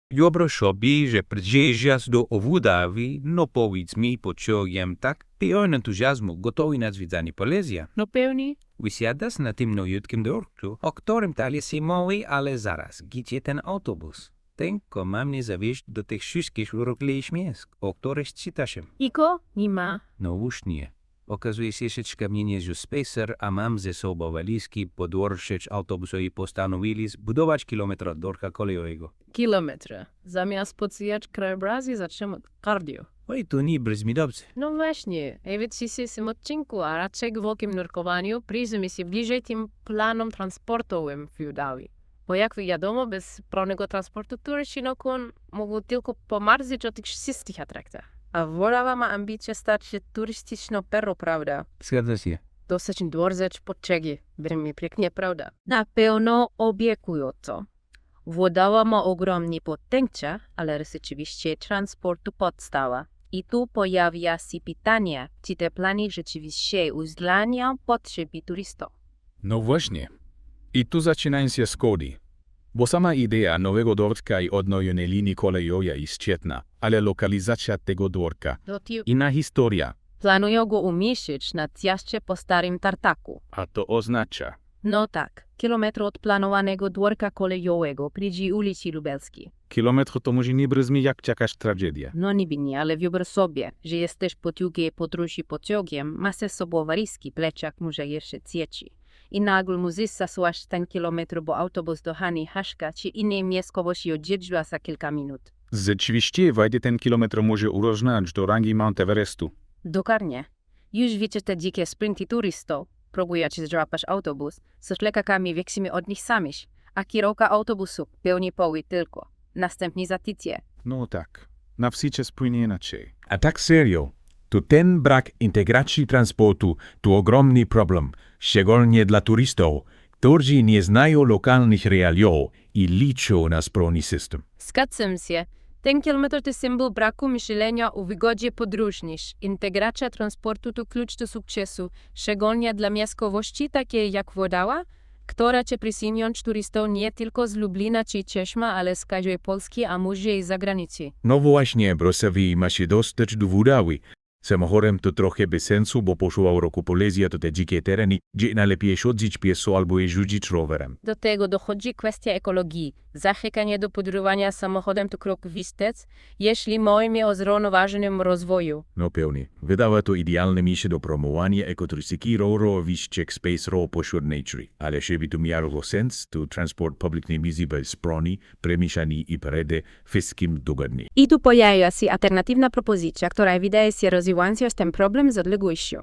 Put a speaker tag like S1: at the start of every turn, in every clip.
S1: Wyobraź sobie, że przyjeżdżasz do Obudawi, no powiedz mi pociągiem tak, pełen entuzjazmu, gotowy na zwiedzanie Polezja.
S2: No pewnie.
S1: Wysiadasz na tym nowiutkim dworcu, o którym dalej się mówi, ale zaraz, gdzie ten autobus? Tylko mam nie zawieźć do tych wszystkich urokliwych miejsc, o których czytałem.
S2: Iko? Nie ma.
S1: No już nie. Okazuje się, że kamienie z spacer, a mam ze sobą walizki, podłożyć autobusu i postanowili zbudować kilometr dworca kolejowego.
S2: Kilometry. Zamiast pocijać krajobrazy, zaczynamy cardio.
S1: Oj, to nie brzmi dobrze.
S2: No właśnie, w dzisiejszym odcinku, a raczej w wielkim nurkowaniu, przyjrzymy się bliżej tym planom transportowym w Judawi. Bo jak wiadomo, bez prawnego transportu turyści mogą tylko pomarzyć o tych wszystkich atraktach. A Wolawa ma ambicje stać się turystyczną perą, prawda?
S1: Zgadza się.
S2: Dosyć dworzec potrzegi, brzmi pięknie, prawda? Na pewno obiekująco. Włodawa ma ogromny potencjał, ale rzeczywiście transportu podstawa. I tu pojawia się pytanie, czy te plany rzeczywiście uwzględniają potrzeby turystów.
S3: No właśnie. I tu zaczynają się schody. Bo sama idea nowego dworca i odnowienia linii kolejowej jest świetna, ale lokalizacja tego dworca, inna historia,
S2: Planują go umieścić na zjeździe po starym tartaku.
S3: a to oznacza,
S2: No tak, kilometr od planowanego dworca kolejowego przy ulicy Lubelskiej.
S3: kilometr to może nie brzmi jak jakaś tragedia.
S2: No niby nie, ale wyobraź sobie, że jesteś po długiej podróży pociągiem, masz ze sobą walizki, plecak może jeszcze dzieci. I nagle musisz zasuwać ten kilometr, bo autobus do Hani Haszka czy innej miejscowości odjeżdża za kilka minut.
S3: Rzeczywiście wejdzie ten kilometr może uróżniać do rangi Mount Everestu.
S2: Dokładnie. Już wiecie te dzikie sprinty turystów, próbujecie złapać autobus, z lekakami wieksimy od nich samych, a kierowca autobusu pełni poły tylko. Następnie zatycje.
S3: No tak, na wsi się spłynie inaczej.
S4: A tak serio, to ten brak integracji transportu to ogromny problem, szczególnie dla turystów, którzy nie znają lokalnych realiów i liczą na sprawny system.
S2: Zgadzam się. Ten kilometr to symbol braku myślenia o wygodzie podróżnych. Integracja transportu to klucz do sukcesu, szczególnie dla miejscowości takiej jak Włodawa, która chce przyjąć turystów nie tylko z Lublina czy Cieszma, ale z całej Polski, a może i z zagranicy.
S4: No właśnie, Brosowi ma się dostać do Włodawy. Samochodem to trochę bez sensu, bo poszła roku Polezja to te dzikie tereny, gdzie najlepiej chodzić pieszo albo jeździć rowerem.
S2: Do tego dochodzi kwestia ekologii. Zachęcanie do podróżowania samochodem to krok wstecz, jeśli mówimy o zrównoważonym rozwoju.
S4: No pewnie. Wydawa to idealne miejsce do promowania ekoturystyki rowerowych czek space row pośród nature. Ale żeby to miało sens, to transport publiczny musi być sprawny, przemyślany i przede wszystkim dogodny.
S2: I tu pojawia się alternatywna propozycja, która wydaje się rozwiązując ten problem z odległością.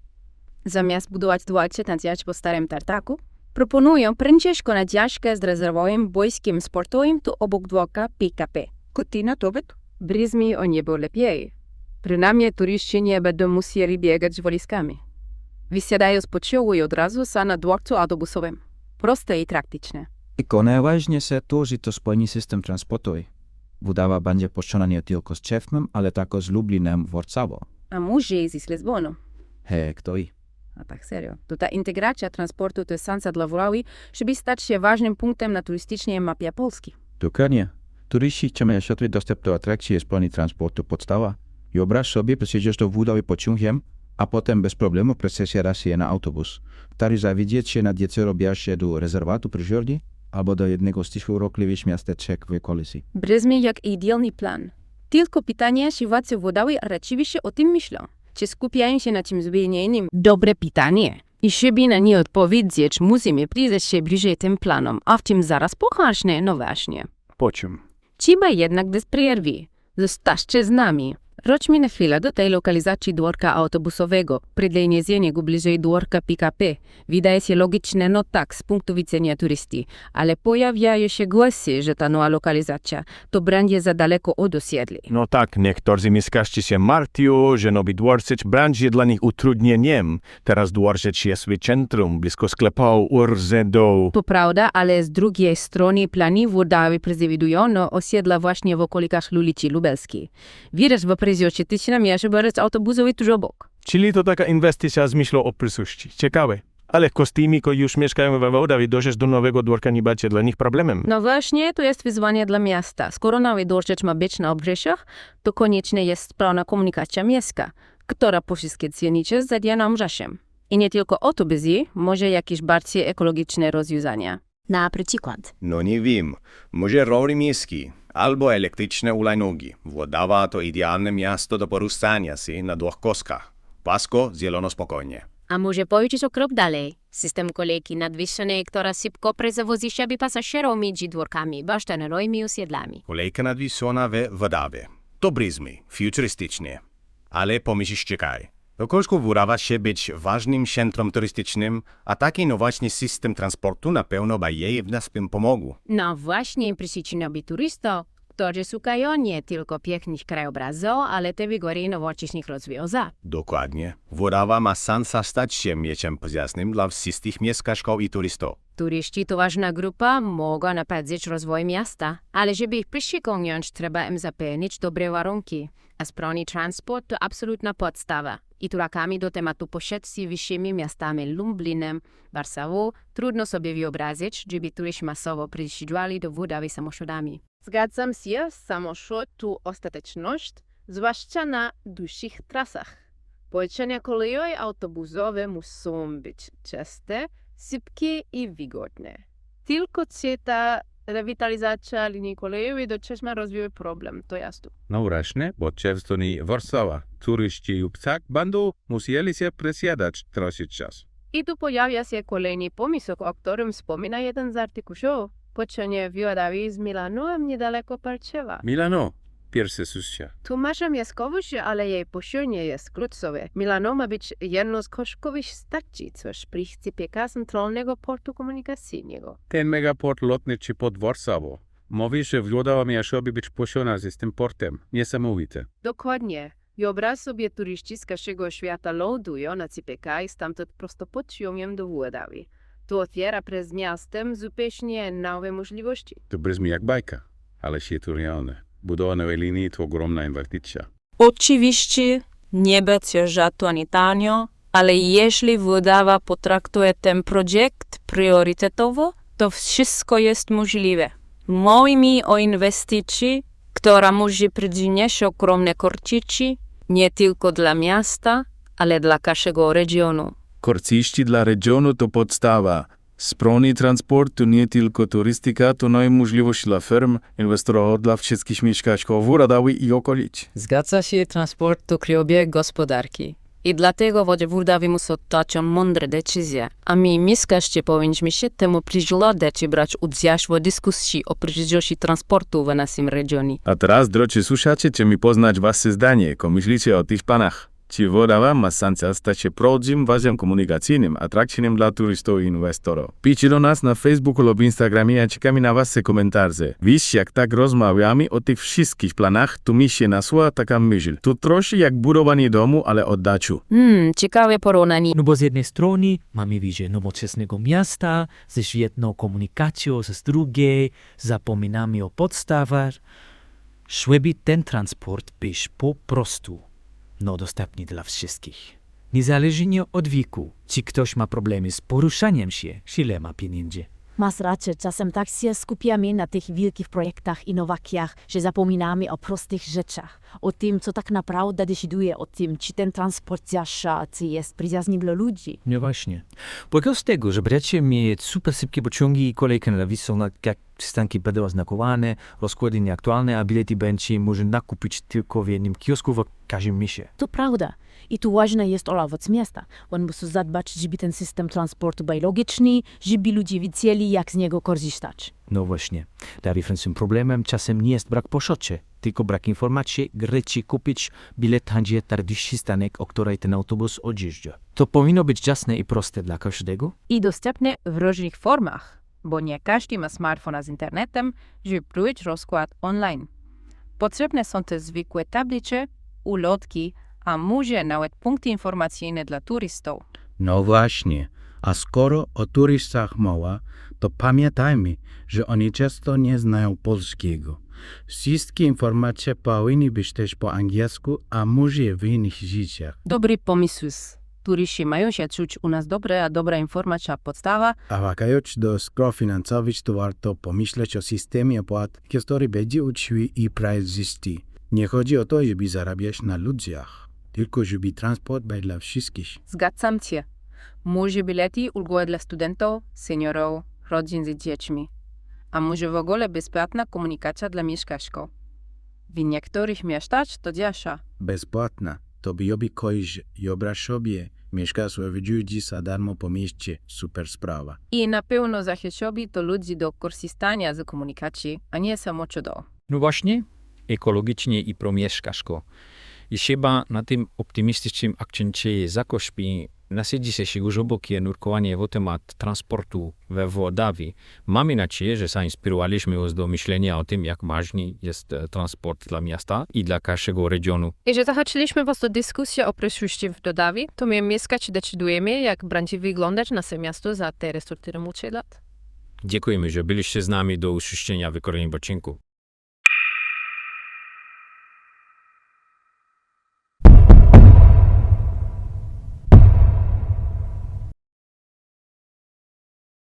S2: Zamiast budować dworce na zjeździe po starym tartaku, proponują prędzej na zjeżdżkę z rezerwowym boiskiem sportowym tu obok dworca PKP.
S5: Kutina to byt?
S2: Brzmi o niebo lepiej. Przynajmniej turyści nie będą musieli biegać z walizkami. Wysiadają z pociągu i od razu są na dworcu autobusowym. Proste i praktyczne.
S6: Tylko najważniejsze to, że to spojny system transportowy. Budowa będzie połączona nie tylko z Czechmem, ale także z Lublinem, Warszawą.
S2: A może i z Lizbonu.
S6: Hej, kto i?
S2: A tak serio. To ta integracja transportu to jest szansa dla Włodawy, żeby stać się ważnym punktem na turystycznej mapie Polski.
S6: Dokładnie. Turyści chcą mieć łatwy dostęp do atrakcji i spojny transportu podstawa. I wyobraź sobie, przyjedziesz do Włodawy pociągiem, a potem bez problemu przesiadasz się na autobus. Wtedy zawiedzieć się na dziecko się do rezerwatu przyrodni albo do jednego z tych urokliwych miasteczek w okolicy.
S2: Brzmi jak idealny plan. Tylko pytanie, czy władze Włodawy rzeczywiście o tym myślą? Czy skupiają się na czymś zupełnie innym? Dobre pytanie. I żeby na nie odpowiedzieć, musimy przyjrzeć się bliżej tym planom, a w tym zaraz pochasznie, no właśnie.
S3: Po czym?
S2: Trzeba jednak bez przerwy. Zostańcie z nami. Wróćmy na chwilę do tej lokalizacji dworca autobusowego. Przeniesienie go bliżej dworca PKP wydaje się logiczne, no tak, z punktu widzenia turysty, ale pojawiają się głosy, że ta nowa lokalizacja to będzie za daleko od osiedli.
S4: No tak, niektórzy mieszkańcy się martwią, że nowy dworzec będzie dla nich utrudnieniem. Teraz dworzec jest w centrum, blisko sklepów, URZ-ów.
S2: To prawda, ale z drugiej strony plany Włodawy przewidują osiedla właśnie w okolikach ulicy Lubelskiej. Widać w prezie tysiąc mierzy dworzec autobusowy tuż obok.
S4: Czyli to taka inwestycja z myślą o przyszłości. Ciekawe.
S5: Ale kostymi, którzy już mieszkają we Wołdawie, dojść do Nowego Dworka nie będzie dla nich problemem.
S2: No właśnie, to jest wyzwanie dla miasta. Skoro Nowy Dworzec ma być na obrzeżach, to konieczna jest sprawna komunikacja miejska, która po wszystkie dzielnice zajdzie nam czasem. I nie tylko autobusy, może jakieś bardziej ekologiczne rozwiązania.
S7: Na przykład.
S8: No nie wiem, może rowery miejskie albo elektryczne hulajnogi. Włodawa to idealne miasto do poruszania się na dwóch koskach. Płasko, zielono, spokojnie.
S7: A może pójść o krok dalej? System kolejki nadwyższonej, która szybko przewozi siebie pasażerów między dworkami, basztanerami i osiedlami.
S8: Kolejka nadwieszona we Wodawie. To brzmi futurystycznie. Ale pomyśl, czekaj. Okołsko wydawa się być ważnym centrum turystycznym, a taki innowacyjny system transportu na pewno by jej w nas pomógł.
S7: No właśnie, przyczynowi turystów, którzy szukają nie tylko pięknych krajobrazów, ale też wygory nowoczesnych rozwiązań.
S8: Dokładnie. Wodawa ma szansę stać się miejscem przyjaznym dla wszystkich mieszkańców i turystów.
S7: Turyści to ważna grupa, mogą napędzać rozwój miasta, ale żeby ich przyciągnąć, trzeba im zapewnić dobre warunki. A sprawny transport to absolutna podstawa. I turakami do tematu poszedł z wyższymi miastami Lublinem, Warszawą, trudno sobie wyobrazić, żeby turyści masowo przyjeżdżali do Wodawy samochodami.
S2: Zgadzam się, samochód to ostateczność, zwłaszcza na dłuższych trasach. Połączenia kolejowe i autobusowe muszą być czyste, szybkie i wygodne. Tylko ta rewitalizacja linii kolejowej do czasem rozwija problem, to jasne.
S3: No właśnie, bo często nie Warszawa. Turyści i ptak będą musieli się przesiadać trochę czasu.
S2: I tu pojawia się kolejny pomysł, o którym wspomina jeden z artykułów. Połączenie Wodawy z Milanem niedaleko Parczewa.
S3: Milano, pierwsze słyszę.
S2: Tu masz miejscowość, ale jej połączenie jest kluczowe. Milano ma być jedną z koszkowych stacji, coś przyspieka centralnego portu komunikacyjnego.
S3: Ten megaport lotniczy pod Warszawą. Mówi, że Wodawa miała sobie być połączona z tym portem. Niesamowite.
S2: Dokładnie. Wyobraź sobie, turyści z każdego świata lądują na CPK i stamtąd prosto pociągiem do Wodawy. To otwiera przed miastem zupełnie nowe możliwości.
S3: To brzmi jak bajka, ale się to realne. Budowa nowej linii to ogromna inwestycja.
S9: Oczywiście nie będzie żadnego ani tanio, ale jeśli Wodawa potraktuje ten projekt priorytetowo, to wszystko jest możliwe. Mówi mi o inwestycji, która może przynieść ogromne korzyści nie tylko dla miasta, ale dla każdego regionu.
S3: Korzyści dla regionu to podstawa. Sprawny transport to nie tylko turystyka, to i możliwość dla firm, inwestorów, dla wszystkich mieszkańców Wodawy i okolic.
S9: Zgadza się, transport to kriobieg gospodarki. I dlatego Wodawy muszą dać mądre decyzje, a my mieszkańcy powinniśmy się temu przyglądać i brać udział w dyskusji o przyszłości transportu w naszym regionie.
S3: A teraz, drodzy słuchacze, chcemy poznać wasze zdanie. Co myślicie o tych panach? Czy Wodawa ma szansę stać się prawdziwym wazem komunikacyjnym, atrakcyjnym dla turystów i inwestorów? Piszcie do nas na Facebooku lub Instagramie, a czekamy na wasze komentarze. Wiesz, jak tak rozmawiamy o tych wszystkich planach, to mi się nasuwa taka myśl. To trochę jak budowanie domu, ale oddaczu.
S9: Ciekawe porównanie.
S10: No bo z jednej strony mamy wizję nowoczesnego miasta ze świetną komunikacją, z drugiej zapominamy o podstawach. Żeby ten transport być po prostu dostępny dla wszystkich. Niezależnie od wieku, czy ktoś ma problemy z poruszaniem się, czy ile ma pieniędzy.
S7: Masz rację, czasem tak się skupiamy na tych wielkich projektach, innowacjach, że zapominamy o prostych rzeczach. O tym, co tak naprawdę decyduje o tym, czy ten transport zasza, czy jest przyjazny dla ludzi.
S10: No właśnie. Bo z tego, że będziecie mieć super szybkie pociągi i kolejki nadwieszone, jak przystanki będą oznakowane, rozkłady nieaktualne, a bilety będzie można kupić tylko w jednym kiosku w każdym mieście.
S7: To prawda. I tu ważne jest owoc miasta. On musi zadbać, żeby ten system transportu był logiczny, żeby ludzie wiedzieli, jak z niego korzystać.
S10: No właśnie. Największym problemem czasem nie jest brak poszocie, tylko brak informacji, gdzie kupić bilet będzie najbliższy stanek, o której ten autobus odjeżdża. To powinno być jasne i proste dla każdego.
S2: I dostępne w różnych formach, bo nie każdy ma smartfona z internetem, żeby próbować rozkład online. Potrzebne są też zwykłe tablice, ulotki, a może nawet punkty informacyjne dla turystów.
S6: No właśnie, a skoro o turystach mowa, to pamiętajmy, że oni często nie znają polskiego. Wszystkie informacje powinny być też po angielsku, a może w innych językach.
S2: Dobry pomysł. Turyści mają się czuć u nas dobre, a dobra informacja podstawa.
S11: A wracając do spraw finansowych, to warto pomyśleć o systemie opłat, który będzie uczciwy i przejrzysty. Nie chodzi o to, żeby zarabiać na ludziach, tylko żeby transport był dla wszystkich.
S2: Zgadzam się. Może bilety ulgowe dla studentów, seniorów, rodzin z dziećmi. A może w ogóle bezpłatna komunikacja dla mieszkańców. W niektórych miastach to dziasza.
S11: Bezpłatna. To by robi ktoś, wyobraź sobie, mieszka sobie ludzi za darmo po mieście. Super sprawa.
S2: I na pewno zachęciłoby to ludzi do korzystania z komunikacji, a nie samo cudo.
S1: No właśnie, ekologicznie i promieszkaško. I chyba na tym optymistycznym akcencie zakośpi nasadzi się już obokie nurkowanie w temat transportu we Włodawie. Mamy nadzieję, że zainspirowaliśmy was do myślenia o tym, jak ważny jest transport dla miasta i dla każdego regionu.
S2: I że zachęciliśmy was do dyskusji o przyszłości w Włodawie, to my mieszkać decydujemy, jak będzie wyglądać nasze miasto za te 4 lat.
S1: Dziękujemy, że byliście z nami do usłyszenia w kolejnym odcinku.